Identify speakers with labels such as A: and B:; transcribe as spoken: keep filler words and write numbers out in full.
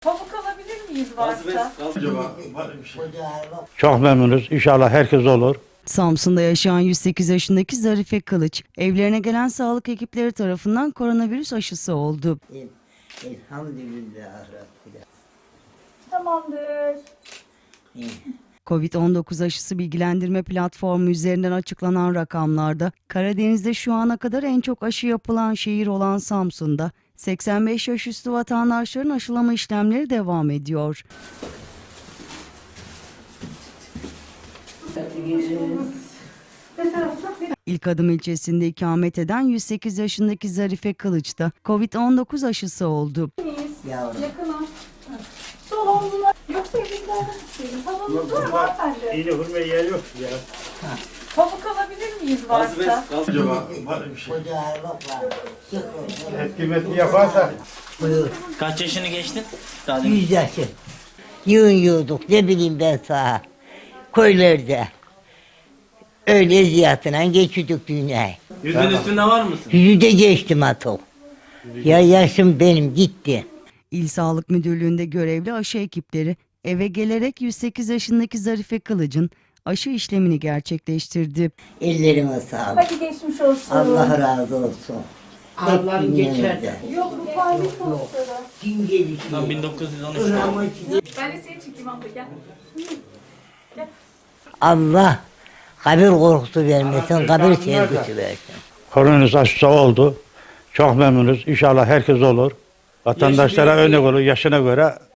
A: Pamuk alabilir miyiz varsa?
B: Çok memnunuz. İnşallah herkes olur.
C: Samsun'da yaşayan yüz sekiz yaşındaki Zarife Kılıç, evlerine gelen sağlık ekipleri tarafından koronavirüs aşısı oldu.
D: Elhamdülillah Rabbil.
A: Tamamdır.
C: Covid on dokuz aşısı bilgilendirme platformu üzerinden açıklanan rakamlarda Karadeniz'de şu ana kadar en çok aşı yapılan şehir olan Samsun'da seksen beş yaş üstü vatandaşların aşılama işlemleri devam ediyor. İlk Adım ilçesinde ikamet eden yüz sekiz yaşındaki Zarife Kılıç da Covid on dokuz aşısı oldu.
D: Yavrum.
A: Yakına. Sol omzuna. Yoksa elimden istedim. Pamuk var mı hanımefendi?
B: İğne vurmaya yer yok ya.
A: Pamuk alabilir miyiz varsa?
B: Acaba var bir şey.
D: Ocağı var.
B: Etkimetli yaparsa.
D: Buyur.
E: Kaç yaşını geçtin? Daha demin.
D: Yüz yaşı. Yığın yiyorduk. Ne bileyim ben sana. Köylerde. Öyle ziyatına geçiyorduk dünyayı.
E: Yüzün üstünde var mısın?
D: Yüzü de geçtim atok. Ya yaşım benim gitti.
C: İl Sağlık Müdürlüğü'nde görevli aşı ekipleri eve gelerek yüz sekiz yaşındaki Zarife Kılıç'ın aşı işlemini gerçekleştirdi.
D: Ellerime sağlık.
A: Hadi geçmiş olsun.
D: Allah razı olsun.
F: Ağlarım geçer.
A: Yok bu fayda sonuçları.
D: Din gelişi.
E: Tam bin dokuz yüz on üç.
A: Ben de seni çekeyim abla gel.
D: Allah kabir korkusu vermesin, kabir sevgisi versin.
B: Koronavirüs aşısı oldu. Çok memnunuz. İnşallah herkes olur. Vatandaşlara örnek olur. Yaşına göre